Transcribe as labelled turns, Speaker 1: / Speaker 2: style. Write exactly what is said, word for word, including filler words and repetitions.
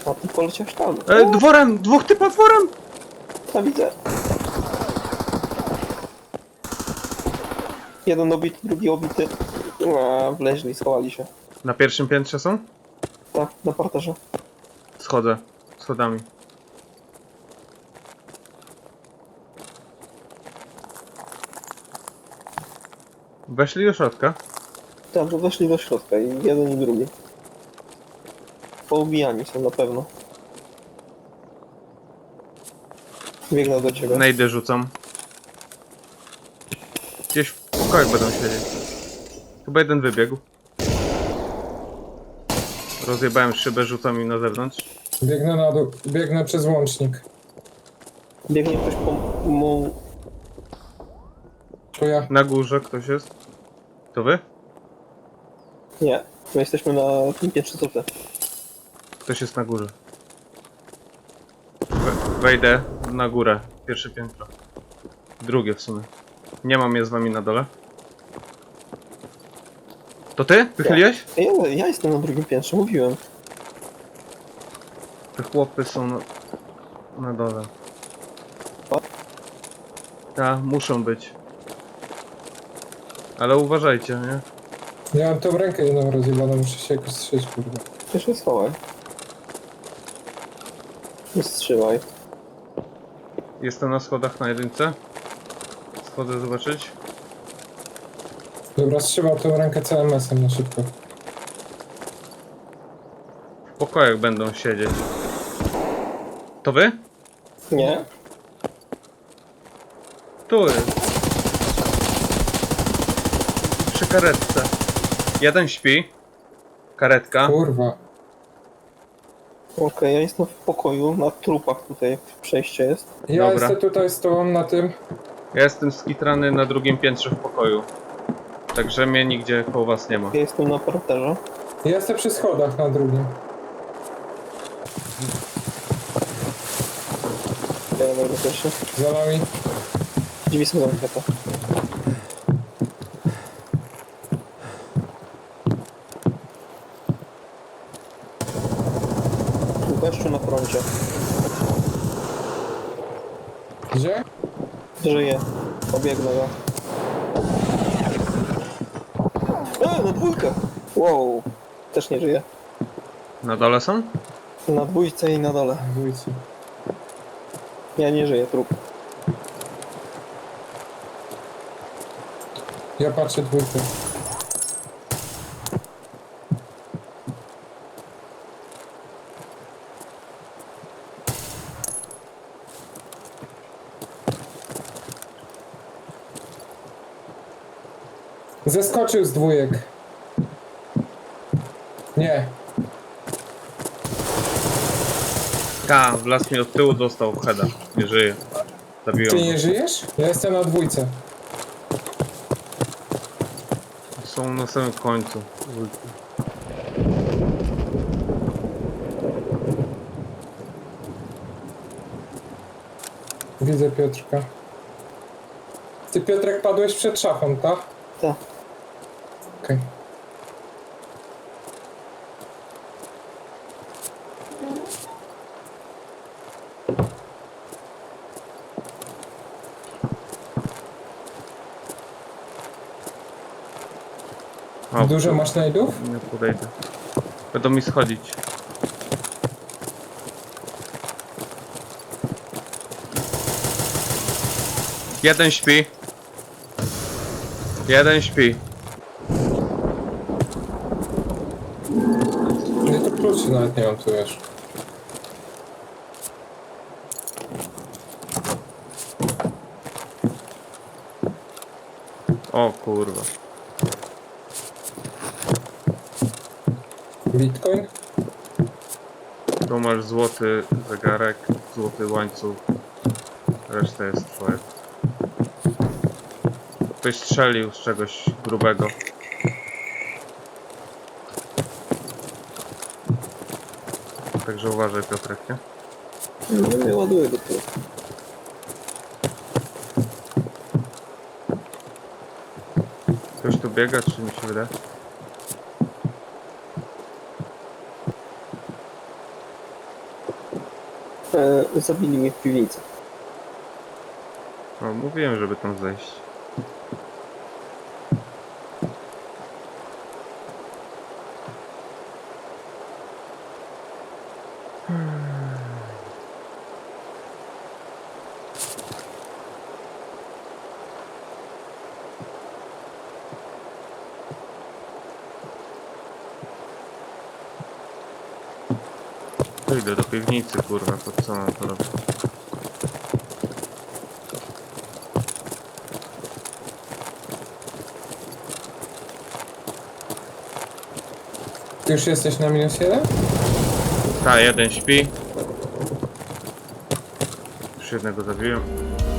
Speaker 1: A ty poleciałeś tam.
Speaker 2: E, dworem! Dwóch typa dworem!
Speaker 1: Ja widzę. Jeden obity, drugi obity. A, wleźli, schowali się.
Speaker 2: Na pierwszym piętrze są?
Speaker 1: Tak, na parterze.
Speaker 2: Schodzę. Schodami. Weszli do środka.
Speaker 1: Tak, to weszli do środka i jeden i drugi. Poubijani są na pewno. Biegnę do ciebie.
Speaker 2: Nejdę rzucam. Gdzieś w pokoju będą siedzieć. Chyba jeden wybiegł. Rozjebałem szybę, rzucam im na zewnątrz.
Speaker 3: Biegnę na dół, biegnę przez łącznik.
Speaker 1: Biegnie ktoś po mu...
Speaker 3: To ja.
Speaker 2: Na górze ktoś jest. To wy?
Speaker 1: Nie, my jesteśmy na tym piętrze co ty.
Speaker 2: Ktoś jest na górze. We- Wejdę na górę. Pierwsze piętro. Drugie w sumie. Nie mam je z wami na dole. To ty? Wychyliłeś?
Speaker 1: Ja, ja jestem na drugim piętrze, mówiłem.
Speaker 2: Te chłopy są na, na dole.
Speaker 1: O.
Speaker 2: Tak, muszą być. Ale uważajcie, nie?
Speaker 3: Ja mam tą rękę jedną rozjebaną, muszę się jakoś strzeć, kurwa.
Speaker 1: Ty się schowaj. Nie strzelaj.
Speaker 2: Jestem na schodach na jedynce. Schodzę zobaczyć.
Speaker 3: Dobra, strzymał tą rękę C M S-em na szybko.
Speaker 2: W pokojach będą siedzieć. To wy?
Speaker 1: Nie?
Speaker 2: Tu jest. Przy karetce. Jeden śpi. Karetka.
Speaker 3: Kurwa.
Speaker 1: Okej, ja jestem w pokoju, na trupach tutaj przejście jest.
Speaker 3: Ja
Speaker 2: Dobra.
Speaker 3: jestem tutaj z tobą na tym.
Speaker 2: Ja jestem skitrany na drugim piętrze w pokoju. Także mnie nigdzie koło was nie ma.
Speaker 1: Ja jestem na parterze.
Speaker 3: Ja jestem przy schodach na drugim.
Speaker 1: Ja będę pierwszy.
Speaker 3: Za nami.
Speaker 1: Drzwi są zamknięte. Gościu na froncie.
Speaker 3: Gdzie?
Speaker 1: Żyje. Pobiegnę go. E, na dwójkę! Wow. Też nie żyje.
Speaker 2: Na dole są?
Speaker 1: Na dwójce i na dole.
Speaker 3: Dwójcy.
Speaker 1: Ja nie żyję, trup.
Speaker 3: Ja patrzę dwójkę. Zeskoczył z dwójek. Nie.
Speaker 2: Ta, w las mi od tyłu dostał w heada. Nie żyje. Zabiłem
Speaker 3: Ty
Speaker 2: go.
Speaker 3: nie żyjesz? Ja jestem na dwójce.
Speaker 2: Są na samym końcu.
Speaker 3: Widzę Piotrka. Ty Piotrek padłeś przed szafą, tak?
Speaker 1: Tak.
Speaker 3: Okej.
Speaker 2: O,
Speaker 3: Dużo masz znajdów?
Speaker 2: nie podejdę. Będą mi schodzić. Jeden śpi. Jeden śpi.
Speaker 3: Nie, to kluczy nawet nie mam tu, wiesz.
Speaker 2: O kurwa.
Speaker 3: Bitcoin?
Speaker 2: Tu masz złoty zegarek, złoty łańcuch. Reszta jest twoja. Ktoś strzelił z czegoś grubego. Także uważaj, Piotrek, nie?
Speaker 1: No nie ładuję do tyłu.
Speaker 2: Ktoś tu biega, czy mi się wydaje?
Speaker 1: E, zabili mnie w piwnicy.
Speaker 2: No, mówiłem, żeby tam zejść. Idę do piwnicy, kurwa, to co mam to robić?
Speaker 3: Ty już jesteś na minus jeden?
Speaker 2: Ta, jeden śpi. Już jednego zabiłem.